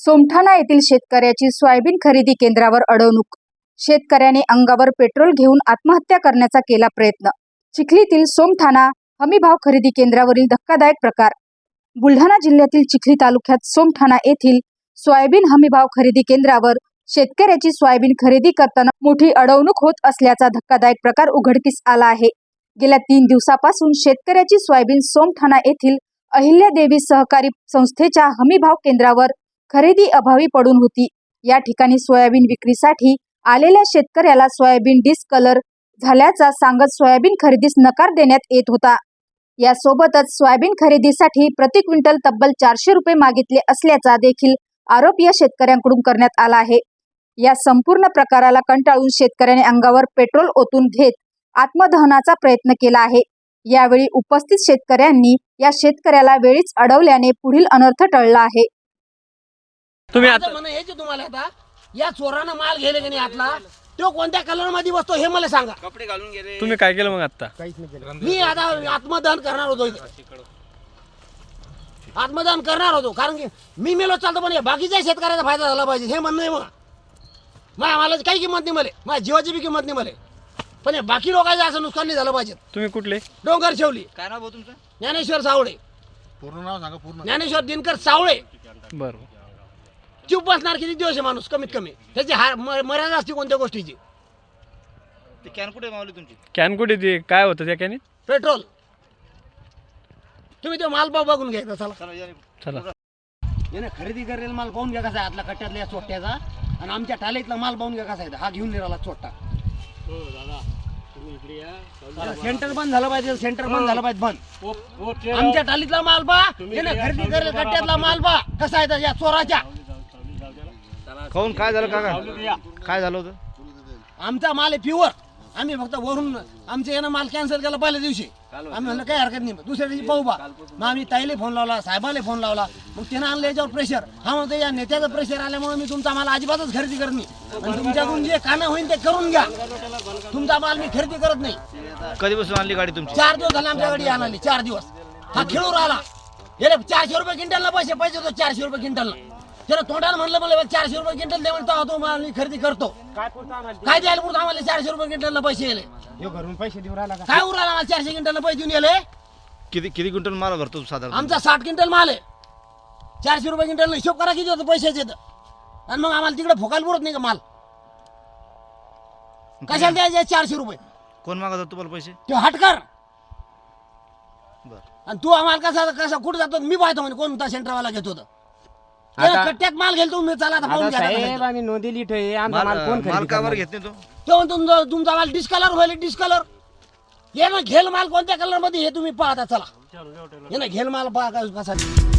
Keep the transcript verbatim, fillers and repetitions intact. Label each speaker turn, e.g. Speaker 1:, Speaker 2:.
Speaker 1: सोमठाणा येथील शेतकऱ्याची सोयाबीन खरेदी केंद्रावर अडवणूक। शेतकऱ्याने अंगावर पेट्रोल घेऊन आत्महत्या करण्याचा केला प्रयत्न। चिखलीतील सोमठाणा हमीभाव खरेदी केंद्रावरील धक्कादायक प्रकार। बुलढाणा जिल्ह्यातील चिखली तालुक्यात सोमठाणा येथील सोयाबीन हमीभाव खरेदी केंद्रावर शेतकऱ्याची सोयाबीन खरेदी करताना मोठी अडवणूक होत असल्याचा धक्कादायक प्रकार उघडकीस आला आहे। गेल्या तीन दिवसापासून शेतकऱ्याची सोयाबीन सोमठाणा येथील अहिल्यादेवी सहकारी संस्थेच्या हमीभाव केंद्रावर खरेदी अभावी पडून होती। या ठिकाणी सोयाबीन विक्रीसाठी आलेल्या शेतकऱ्याला सोयाबीन डिस्कलर झाल्याचा सांगत सोयाबीन खरेदीस नकार देण्यात येत होता। यासोबतच सोयाबीन खरेदीसाठी प्रति क्विंटल तब्बल चारशे रुपये मागितले असल्याचा देखील आरोप या शेतकऱ्यांकडून करण्यात आला आहे। या संपूर्ण प्रकाराला कंटाळून शेतकऱ्याने अंगावर पेट्रोल ओतून घेत आत्मदहनाचा प्रयत्न केला आहे। यावेळी उपस्थित शेतकऱ्यांनी या शेतकऱ्याला वेळीच अडवल्याने पुढील अनर्थ टळला आहे।
Speaker 2: तुम्ही आता म्हणा हे जे तुम्हाला आता या चोरानं माल गेले की नाही आतला तो कोणत्या कलर मध्ये बसतो हे मला सांगा।
Speaker 3: कपडे घालून गेले।
Speaker 2: तुम्ही काय केलं मग आता?
Speaker 3: काहीच नाही केलं।
Speaker 2: मी आता आत्मदहन करणार होतो इथे। आत्मदहन करणार होतो कारण की मी मेलो चालतो पण बाकीच्या शेतकऱ्याचा फायदा झाला पाहिजे हे म्हणणं आहे। मग माझ्या मालाची काही किंमत नाही मला, माझ्या जीवाची बी किंमत नाही मला, पण बाकी लोकांचं असं नुकसान नाही झालं पाहिजे।
Speaker 4: तुम्ही कुठले?
Speaker 2: डोंगर शेवली।
Speaker 3: काय नाव भाऊ तुमचं?
Speaker 2: ज्ञानेश्वर सावळे।
Speaker 3: पूर्ण नाव सांगा पूर्ण।
Speaker 2: ज्ञानेश्वर दिनकर सावळे।
Speaker 4: बरं,
Speaker 2: चूप बसणार किती दिवस आहे माणूस कमीत कमी, त्याची मर्यादा असते कोणत्या गोष्टीची।
Speaker 3: ते कॅन कुठे मावली तुमची?
Speaker 4: कॅन कुठे ते काय होतं त्या कॅनीत?
Speaker 2: पेट्रोल। तुम्ही तो माल पाव बघून घ्यायचा। चला
Speaker 3: चला या रे.
Speaker 4: चला
Speaker 2: याने खरेदी करेल माल पाहून घ्या कसा आहे आतला कट्ट्यातला या चोट्याचा, आणि आमच्या टालीतला माल पाहून घ्या कसा आहे। हा घेऊन निघाला चोट्टा।
Speaker 5: हो दादा तुम्ही इकडे या।
Speaker 2: सेंटर बंद झालं पाहिजे, सेंटर बंद झालं पाहिजे बंद। आमच्या टालीतला माल पा, याने खरेदी करेल कट्ट्यातला माल पा कसा आहे या चोराच्या।
Speaker 3: काहून काय झालं काका? काय झालं होतं?
Speaker 2: आमचा माल आहे प्युअर। आम्ही फक्त वरून आमचे यानं माल कॅन्सल केला पहिल्या दिवशी। आम्ही म्हणलं काही हरकत नाही, दुसऱ्या दिवशी पाहू बा। मग आम्ही ताईले फोन लावला, साहेबाला फोन लावला, मग त्यानं आणलं याच्यावर प्रेशर। हा म्हणतो या नेत्याचं प्रेशर आल्यामुळे मी तुमचा माल अजिबातच खरेदी करत नाही, आणि तुमच्याकडून जे कानं होईल ते करून घ्या, तुमचा माल मी खरेदी करत नाही।
Speaker 3: कधीपासून आणली गाडी तुमची?
Speaker 2: चार दिवस झाले आमच्या गाडी आणली, चार दिवस। हा खेळून राहिला। गेले चारशे रुपये क्विंटलला पैसे पैसे होतो, चारशे रुपये क्विंटलला। त्यानं तोंडाला म्हणलं मला चारशे रुपये क्विंटल दे, म्हणतो तो माल मी खरेदी करतो। काय द्यायला पुढे आम्हाला चारशे रुपये क्विंटलला पैसे गेले?
Speaker 5: घरून पैसे देऊ राहिला का?
Speaker 2: काय उराला आम्हाला चारशे क्विंटलला पैसे देऊन गेले?
Speaker 3: किती किती क्विंटल माल भरतो साधारण?
Speaker 2: आमचा साठ क्विंटल माल आहे। चारशे रुपये क्विंटल हिशोब करा किती होतं पैशाचे तर, आणि मग आम्हाला तिकडे फोकायला पुरत नाही का माल? कशाला द्यायचे चारशे रुपये?
Speaker 3: कोण मागत होतं तुम्हाला पैसे?
Speaker 2: ते हटकर।
Speaker 3: बरं.
Speaker 2: आणि तू आम्हाला कसा कसा कुठे जातो मी पाहतो म्हणे कोणता सेंटरवाला घेत होतं। कट्ट्यात माल घेतो मी, चला आता पाहून घ्या।
Speaker 5: साहेब आम्ही नोंदी लिहितोय, आमचा माल कोण
Speaker 3: माल
Speaker 5: खरेदी
Speaker 3: का बरं
Speaker 5: करणार?
Speaker 3: घेत नाही तो?
Speaker 2: तो तुमचा तुमचा माल डिस्कलर होईल, डिस्कलर। ये ना घेल माल कोणत्या कलर मध्ये हे तुम्ही पाहता। चला ये ना घेल माल पहा कसा।